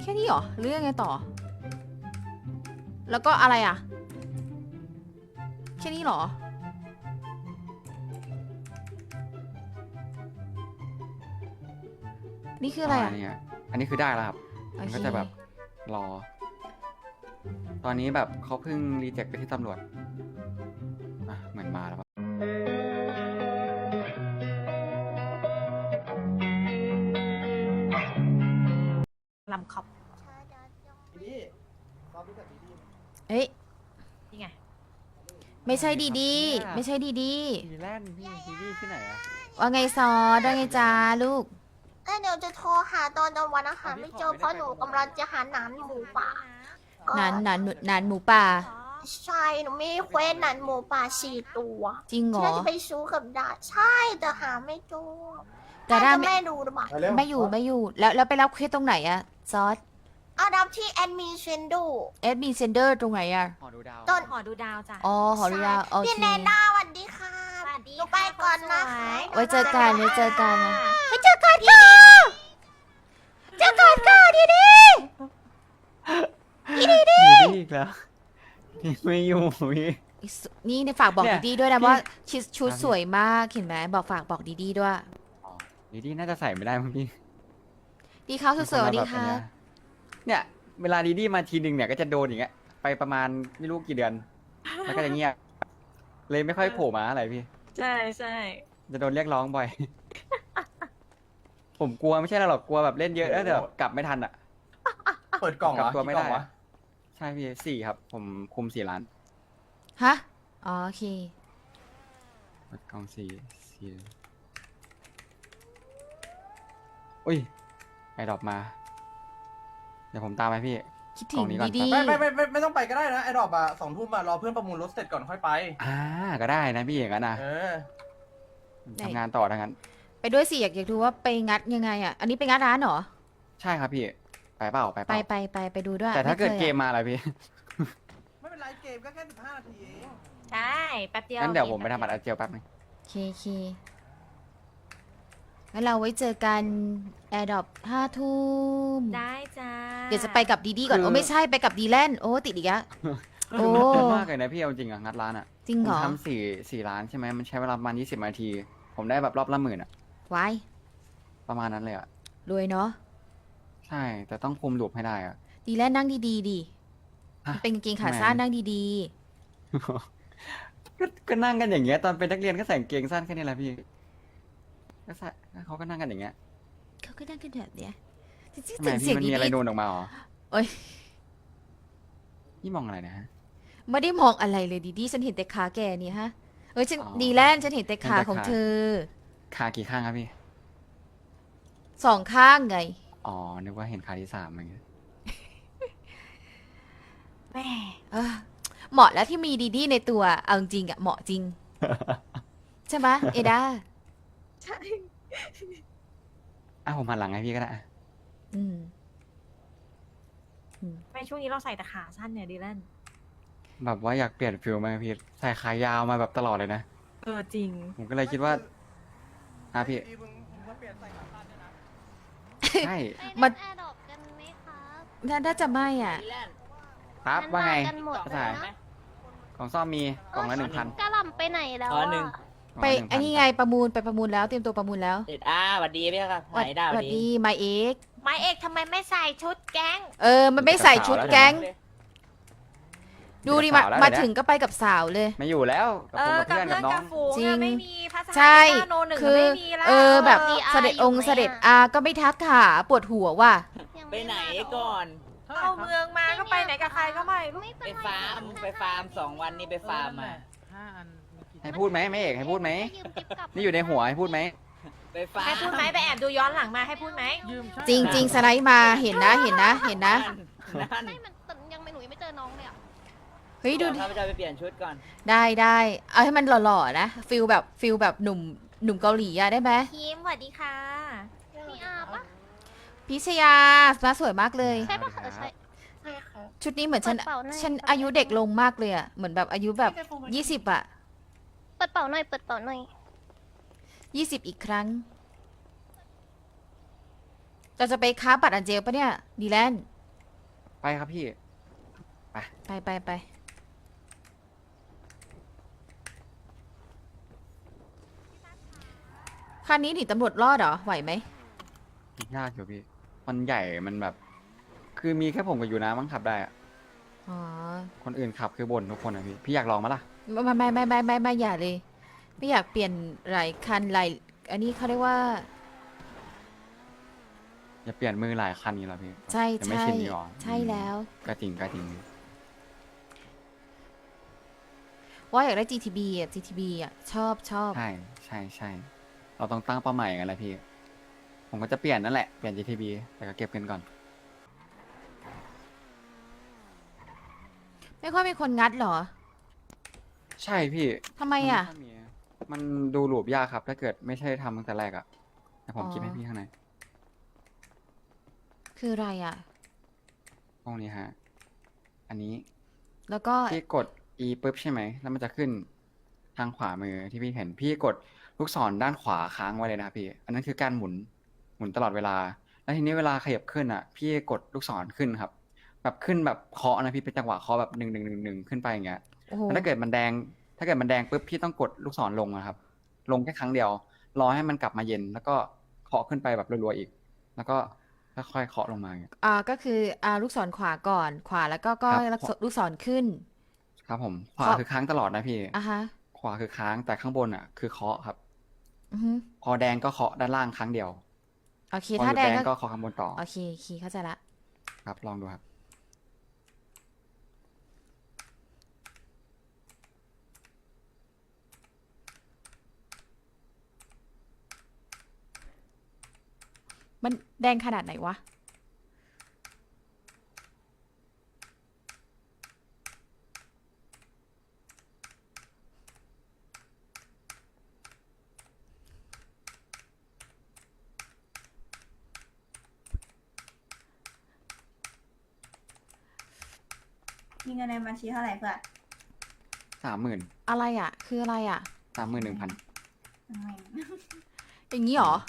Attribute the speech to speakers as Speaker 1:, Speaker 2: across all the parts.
Speaker 1: ค่นี้เหรอหรือยังไงต่อ แล้วก็อะไรอ่ะแค่นี้เหรอนี่คืออะไรอ่ะ
Speaker 2: อันนี้คือได้แล้วครับ
Speaker 1: โอ
Speaker 2: มัน
Speaker 1: เค
Speaker 2: ก็จะแบบรอ ตอนนี้แบบเขาเพิ่งรีเจ็คไปที่ตำรวจอ่ะเหมือนมาแล้ว
Speaker 3: ลำคอบ
Speaker 4: ดีซ้อมรู้จักดี
Speaker 1: เอ้ย
Speaker 3: นี่ไง
Speaker 1: ไม่ใช่ดีดีไม่ใช่ดีดี
Speaker 2: ทีแลนด์พี่ทีวีที่ไหนอะ
Speaker 1: ว่าไงซอว่าไงจ้าลูก
Speaker 5: เดี๋ยวจะโทรหาตอนกลางวันอาหารไม่เจอเพราะหนูกำลังจะหาหนานหมูป่าก็
Speaker 1: นานหมูป่า
Speaker 5: ใช่หนูมีเควสหนานหมูป่า4 ตัว
Speaker 1: จริงเหรอ
Speaker 5: น่าจะไปซื้อกับดาใช่แต่หาไม่เจอ
Speaker 1: แต่
Speaker 5: น่า
Speaker 1: ด้า
Speaker 5: จะ
Speaker 1: ไม่
Speaker 5: แม่ดูหรือเปล่า
Speaker 4: มาเร็ว
Speaker 1: ไม่อยู่แล้วไปรับเคสตรงไหนอะซอส
Speaker 5: เอาดับที่แอดมินเซนดู
Speaker 1: เอสบีเซนเดอร์ตรงไหนอะ
Speaker 2: หอดูดาว
Speaker 5: ต้น
Speaker 3: หอดูดาวจ้ะ
Speaker 1: อ๋อหอดูดาวโอ
Speaker 5: พี่
Speaker 1: เค
Speaker 5: เนด้าสวัสดีค่ะ
Speaker 3: สวัสดี
Speaker 5: หนูไปก่อนนะคะ
Speaker 1: ไว้เจอกันไว้เจอกันนะ
Speaker 5: ไปเจอกันค่ะเจอกันค่ะดีดี
Speaker 2: ดีอีกแล้วนี่ไม่อยู่พี่
Speaker 1: นี่ในฝากบอก
Speaker 2: เนี่ย
Speaker 1: ดีๆด้วยนะ
Speaker 2: พี่
Speaker 1: ว่าชุด
Speaker 2: ครับ
Speaker 1: สวยมากเห็นไหมบอกดีๆด้วย
Speaker 2: อ๋อดีน่าจะใส่ไม่ได้มั้งพี่
Speaker 1: ดีเขาสวยๆสวัสดีค่ะ
Speaker 2: เนี่ย เวลาดีมาทีหนึ่งเนี่ยก็จะโดนอย่างเงี้ย ไปประมาณไม่รู้กี่เดือน แล้วก็จะเงียบ เลยไม่ค่อยโผล่มาอะไรพี่
Speaker 3: ใช่ใช่
Speaker 2: จะโดนเรียกร้องบ่อย ผมกลัวไม่ใช่หรอกกลัวแบบเล่นเยอะแล้วเดี๋ยวกลับไม่ทันอ่ะ
Speaker 4: ๆเปิดกล่องเหร
Speaker 2: กลั
Speaker 4: อบ
Speaker 2: ตัวไม่ได้
Speaker 4: กี่กล่องวะ
Speaker 2: ใช่พี่4ครับ ผมคุม4 ล้าน
Speaker 1: ฮะอ๋อโอเค
Speaker 2: เปิดกล่องสี่อุ้ยไอดรอปมา เดี๋ยวผมตามไปพี่
Speaker 1: คิดถึ
Speaker 2: กล่อง งนี้ก่อน
Speaker 1: ดี
Speaker 4: ไม่ต้องไปก็ได้นะไอ้ดอกอะ2 ทุ่มอะรอเพื่อนประมูลรถเสร็จก่อนค่อยไป
Speaker 2: ก็ได้นะพี่อย่างนั้นนะ
Speaker 4: เออ
Speaker 2: ทำงานต่อทั้งนั้น
Speaker 1: ๆไปด้วยสิอยากดูว่าไปงัดยังไงอ่ะ อันนี้ไปงัดร้านเหรอ
Speaker 2: ใช่ครับพี่ ไปเปล่าไปเป
Speaker 1: ไป
Speaker 2: ล่า
Speaker 1: ไปดูด้วย
Speaker 2: แต่ถ้าเกิด
Speaker 1: ไคย
Speaker 2: เก
Speaker 1: อะ
Speaker 2: มมาอะไรพี่
Speaker 4: ไม่เป็นไรเกมก็แค่15 นาทีเอง
Speaker 3: ใช่แป๊บเดียว
Speaker 2: งั้นเดี๋ยวผมไปทำบัตรอาเจียวแป๊บนึง
Speaker 1: เคงั้นเราไว้เจอกันแอร์ดรอป5 ทุ่ม
Speaker 3: ได้จ้า
Speaker 1: เดี๋ยวจะไปกับดีดีก่อนโอ้ไม่ใช่ไปกับดีแลนด์โอ้ติดอีกแล้ว โอ้
Speaker 2: คือมันคุ้มมากเลยนะพี่เอาจริงอะงัดร้านอะ
Speaker 1: จริง
Speaker 2: ผ
Speaker 1: เหร
Speaker 2: ม
Speaker 1: อ
Speaker 2: ทำ4 ล้านใช่ไหมมันใช้เวลาประมาณ20 นาที ผมได้แบบรอบละ10,000อะ
Speaker 1: ไว้
Speaker 2: ประมาณนั้นเลยอะ
Speaker 1: รวยเนาะ
Speaker 2: ใช่ แต่ต้องคุมลูปให้ได้อะ
Speaker 1: ดีแลนด์นั่งดีๆดิ
Speaker 2: ฮะ
Speaker 1: เป็นกางเกงขาสั้นนั่งดี
Speaker 2: ก็นั่งกันอย่างเงี้ยตอนเป็นนักเรียนก็ใส่กางเกงสั้นแค่นี้แหละพี่ก็ใส่เขาก็นั่งกันอย่างเงี้ย
Speaker 1: ๆเขาก็นั่งกันแบบเนี้ยจริง
Speaker 2: ทำไม
Speaker 1: ๆเสี
Speaker 2: พี่
Speaker 1: ยง
Speaker 2: มัน
Speaker 1: ดี
Speaker 2: มีอะไรโดนออกมาเหรอ
Speaker 1: โอ๊ย
Speaker 2: นี่มองอะไรนะฮะ
Speaker 1: ๆไม่ได้มองอะไรเลยดีๆฉันเห็นแต่ขาแกนี่ฮะเอ้ยฉัน
Speaker 2: อ๋อ
Speaker 1: ดีแลนด์ฉันเห็นแต่ขา
Speaker 2: เห็นแต่
Speaker 1: ของ
Speaker 2: ขา
Speaker 1: เธอ
Speaker 2: ขากี่ข้างครับพี่
Speaker 1: 2 ข้างไง
Speaker 2: อ๋อ นึกว่าเห็นขาที่3อะไรเงี้ย
Speaker 3: แม่
Speaker 1: เออเหมาะแล้วที่มีดีๆในตัวเอาจริงอะเหมาะจริง ใช่ไหมเอดา
Speaker 3: ใช่
Speaker 2: ผมหันหลังให้พี่ก็ได้อะ
Speaker 1: อืม
Speaker 3: ไม่ช่วงนี้เราใส่แต่ขาสั้นเนี่ยดีแลน
Speaker 2: แบบว่าอยากเปลี่ยนฟิลมาพี่ใส่ขายาวมาแบบตลอดเลยนะ
Speaker 3: จริง
Speaker 2: ผมก็เลยคิดว่าพี่
Speaker 4: มึงมาเปลี่ยนใส่ขาสั้นด้วยนะ
Speaker 2: ใช่
Speaker 1: มัน
Speaker 5: แอร์ดอกกันไหมครับ
Speaker 1: น่าจะไม่อ่ะ
Speaker 2: ครับว่าไง
Speaker 5: กันหมด
Speaker 2: ภาษาของซ่อมมีกล่องละ1,000
Speaker 5: กะหล่ำไปไหนแล้ว
Speaker 6: อ๋อหนึ่ง
Speaker 1: ไปไอ้นี่ไงประมูลไปประมูลแล้วเตรียมตัวประมูลแล้ว
Speaker 6: เด็ดสวัสดีพี่ครับไหนดาว
Speaker 1: สวัสดีมาเอก
Speaker 3: ไม้เอกทำไมไม่ใส่ชุดแก๊ง
Speaker 1: มันไม่ใส่ชุดแก๊ง ดูดิมา
Speaker 2: สาวแล้ว
Speaker 1: มา
Speaker 2: เดี๋ยวนะ
Speaker 1: ถึงก็ไปกับสาวเลย
Speaker 2: ไม่อยู่แล้วกับผมกับ
Speaker 3: กับ
Speaker 2: เพื่อนกับ
Speaker 3: เพื่อน
Speaker 2: น้อ
Speaker 3: กั
Speaker 2: ง
Speaker 3: บฝูง
Speaker 1: จริง
Speaker 3: อะไม่มีภาษา
Speaker 1: ใช่
Speaker 3: โนหนึ่ง
Speaker 1: คือ
Speaker 3: ไม่มีแล้ว
Speaker 1: แบบ
Speaker 5: เออ
Speaker 1: เสด็จองค์เสด็จอาก็ไม่ทักขาปวดหัวว่ะ
Speaker 6: ไปไหนก่อน
Speaker 3: เข้าเมืองมาก็ไปไหนกับใครก็ไม่รู้
Speaker 6: ไปฟาร์ม2 วันนี้ไปฟาร์มมา
Speaker 2: ให้พูดไหมไม่เอกให้พูดไหมนี่อยู่ในหัวให้พูดไหม
Speaker 6: ไปฟาร์ม
Speaker 3: ให้พูดไหมไปแอบดูย้อนหลังมาให้พูดไหม
Speaker 1: จริงจริงสไลด์มาเห็นนะเห็นนะเห็นนะ
Speaker 6: นั่น
Speaker 5: ไม่มันแต่ยังไม่หนูยังไม่เจอน้องเลยอ่ะ
Speaker 1: เฮ้ยดูดิ
Speaker 6: ข้าพเจ้าไปเปลี่ยนชุดก่อน
Speaker 1: ได้เอาให้มันหล่อๆนะฟิลแบบหนุ่มเกาหลีอะได้ไหม
Speaker 3: คิมสวัสดีค่ะ
Speaker 5: มีอาปะ
Speaker 1: พิชยามาสวยมากเลย
Speaker 5: ใช่ปะใช่ใช่ค่ะ
Speaker 1: ชุดนี้เหมือนฉัน
Speaker 5: เปิดเป่าหน่อย
Speaker 1: ฉันอายุเด็กลงมากเลยอะเหมือนแบบอายุแบบ20อะ
Speaker 5: เปิดเป่าหน่อยเปิดเป่าหน่อย
Speaker 1: 20อีกครั้งเราจะไปค้าบัตรอันเจลปะเนี่ยดีแลนด์
Speaker 2: ไปครับพี่
Speaker 1: ไปคันนี้หนีตำรวจรอดเหรอ ไหวไหม
Speaker 2: ยากอยู่พี่ มันใหญ่ มันแบบ คือมีแค่ผมกับอยู่นะมั้งขับได้อะ
Speaker 1: อ๋อ
Speaker 2: คนอื่นขับคือบ่นทุกคนอะพี่ พี่อยากลองมั้ยล่ะ
Speaker 1: ไม่อย่าเลย ไม่อยากเปลี่ยนหลายคันหลายอันนี้เขาเรียกว่า
Speaker 2: อย่าเปลี่ยนมือหลายคันนี้หรอพี่
Speaker 1: ใช่
Speaker 2: ยังไม่
Speaker 1: ใช่
Speaker 2: ชินนี่หรอ
Speaker 1: ใช่แล้ว
Speaker 2: ก็จริงก็จริง
Speaker 1: ว่าอยากได้ GTB อ่ะ GTB อ่ะ ชอบ
Speaker 2: ใช่เราต้องตั้งเป้าหมายกันแหละพี่ ผมก็จะเปลี่ยนนั่นแหละ เปลี่ยน GTB แต่ก็เก็บเงินก่อน
Speaker 1: ไม่ค่อยมีคนงัดเหรอ
Speaker 2: ใช่พี่
Speaker 1: ทำไมอ่ะ
Speaker 2: นค่ยมีมันดูหลูบยากครับ ถ้าเกิดไม่ใช่ทำตั้งแต่แรกอะแต่ผม
Speaker 1: อ๋อ
Speaker 2: คิดให้พี่ข้างใน
Speaker 1: คืออะไรอ่ะ
Speaker 2: ตรงนี้ฮะ อันนี้
Speaker 1: แล้วก็
Speaker 2: พี่กด E ปุ๊บใช่ไหม แล้วมันจะขึ้นทางขวามือที่พี่เห็น พี่กดลูกศรด้านขวาค้างไว้เลยนะครับพี่ อันนั้นคือการหมุนตลอดเวลา แล้วทีนี้เวลาขยับขึ้นอ่ะ พี่กดลูกศรขึ้นครับ แบบขึ้นแบบเคาะนะพี่เป็นจังหวะเคาะแบบ1 ขึ้นไปอย่างเงี้ย
Speaker 1: โอ้โห
Speaker 2: แล้วถ้าเกิดมันแดงปุ๊บพี่ต้องกดลูกศรลงนะครับ ลงแค่ครั้งเดียว รอให้มันกลับมาเย็น แล้วก็เคาะขึ้นไปแบบรัวๆอีก แล้วก็ค่อยๆเคาะลงมาอย่างเงี้ย
Speaker 1: ก็คือลูกศรขวาก่อน ขวาแล้วก็
Speaker 2: ครับ
Speaker 1: ลูกศรขึ้น
Speaker 2: ครับผมขวา
Speaker 1: เคาะ
Speaker 2: คือค้างตลอดนะพี่
Speaker 1: อ่ะฮะ
Speaker 2: ขวาคือค้างแต่ข้างบนอ่ะคือเคาะครับ
Speaker 1: อือฮึ
Speaker 2: พอแดงก็เคาะด้านล่างครั้งเดียว
Speaker 1: โอเค
Speaker 2: พอห
Speaker 1: ถ้า
Speaker 2: ยุด
Speaker 1: แด
Speaker 2: แด
Speaker 1: ง
Speaker 2: ง
Speaker 1: ก็
Speaker 2: ก็เคาะข้างบนต่อ
Speaker 1: โอเคเข้าใจละ
Speaker 2: ครับ ลองดูครับ
Speaker 1: มันแดงขนาดไหนวะ
Speaker 7: มีเงินในบัญชีเท่าไหร่เพื่อน
Speaker 2: 30,000
Speaker 1: อะไรอ่ะ คืออะไรอ่ะ
Speaker 2: 31,000
Speaker 1: อย่างนี้เหรอ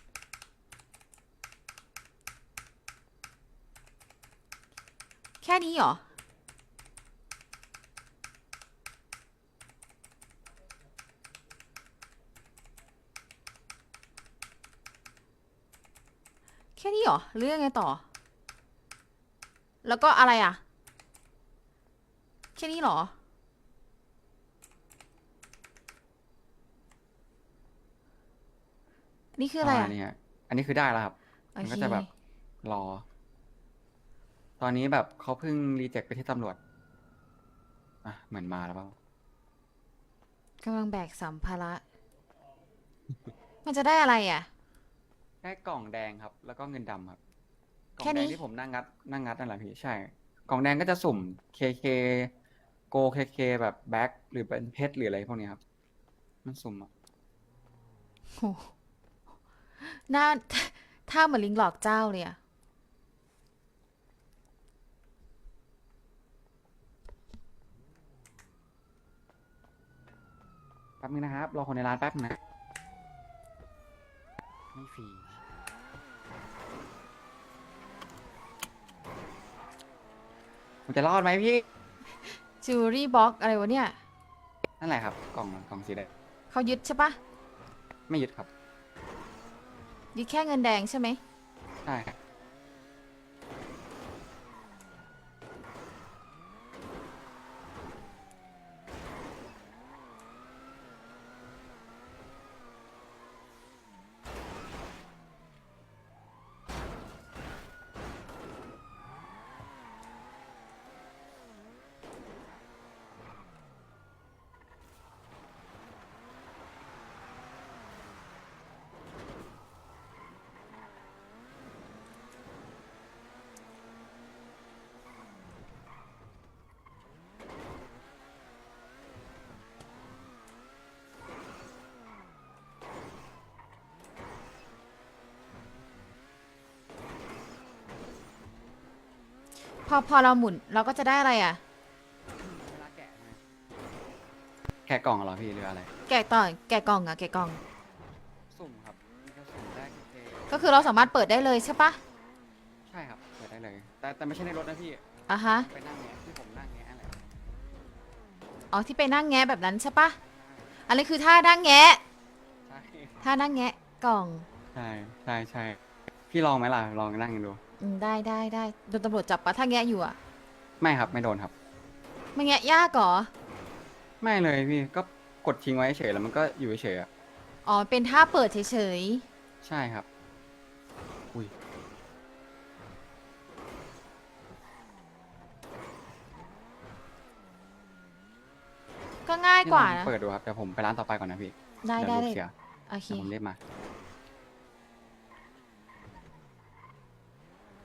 Speaker 1: แค่นี้เหรอ แค่นี้เหรอหรือยังไงต่อ แล้วก็อะไรอ่ะ แค่นี้เหรอ นี่คืออะไรอ่ะ
Speaker 2: นี่ฮะอันนี้คือได้แล้วครับ
Speaker 1: โอ
Speaker 2: มัน
Speaker 1: เค
Speaker 2: ก็จะแบบรอ ตอนนี้แบบเขาเพิ่งรีเจ็คไปที่ตำรวจ เหมือนมาแล้วเปล่าก
Speaker 1: ำลังแบกสัมภาระ มันจะได้อะไรอ่ะ
Speaker 2: ได้กล่องแดงครับ แล้วก็เงินดำครับ กล่อ
Speaker 1: แค่
Speaker 2: งแด
Speaker 1: นี้
Speaker 2: งที่ผมนั่งงัดนั่นแหละพี่ ใช่ กล่องแดงก็จะสุ่ม KK โก KK แบบแบ็คหรือเป็นเพชรหรืออะไรพวกนี้ครับ มันสุ่มอะ
Speaker 1: โหหน้า ท่าเหมือนลิงหลอกเจ้าเลยอ่ะ
Speaker 2: แป๊บนึงนะครับ รอคนในร้านแป๊บนึงนะ ไม่ฟรี ผมจะรอดไหมพี่
Speaker 1: จิวเวลรี่บ็อกอะไรวะเนี่ย
Speaker 2: นั่นแหละครับ กล่องสีแดง
Speaker 1: เขายึดใช่ปะ
Speaker 2: ไม่ยึดครับ
Speaker 1: ยึดแค่เงินแดงใช่ไหม
Speaker 2: ใช่ครับ
Speaker 1: พอเราหมุนเราก็จะได้อะไรอ่ะ
Speaker 2: เวลาแกะนะแกะกล่องเหรอพี่หรืออะไร
Speaker 1: แกะต่อแกะกล่องอ่ะแกะกล่อง
Speaker 2: สุ่มครับมันจะสุ่มได้KK
Speaker 1: ก็คือเราสามารถเปิดได้เลยใช่ปะ
Speaker 2: ใช่ครับ เปิดได้เลย แต่ไม่ใช่ในรถนะพี่
Speaker 1: อ่ะฮะ
Speaker 2: ไปนั่งแงะที่ผมนั่งแงะอะไร
Speaker 1: อ๋อที่ไปนั่งแงะแบบนั้นใช่ปะอันนี้คือท่านั่งแงะ
Speaker 2: ใช่
Speaker 1: ท่านั่งแงะกล่อง
Speaker 2: ใช่ใช่ใช่พี่ลองไหมล่ะลองนั่งดู
Speaker 1: ได้โดนตำรวจจับปะถ้าแงะอยู่อ่ะ
Speaker 2: ไม่ครับไม่โดนครับ
Speaker 1: ไม่แงะยากเหรอ
Speaker 2: ไม่เลยพี่ก็กดทิ้งไว้เฉยแล้วมันก็อยู่เฉยๆอะ
Speaker 1: อ๋อเป็นท่าเปิดเฉย
Speaker 2: ใช่ครับอุ้ย
Speaker 1: ๆก็ง่ายกว่า
Speaker 2: พี่ลอง
Speaker 1: นะ
Speaker 2: เปิดดูครับเดี๋ยวผมไปร้านต่อไปก่อนนะพี่
Speaker 1: ได้
Speaker 2: เดี๋ยว
Speaker 1: ได้
Speaker 2: ลูกเสีย
Speaker 1: โอเค
Speaker 2: เดี๋ยวผมรีบมา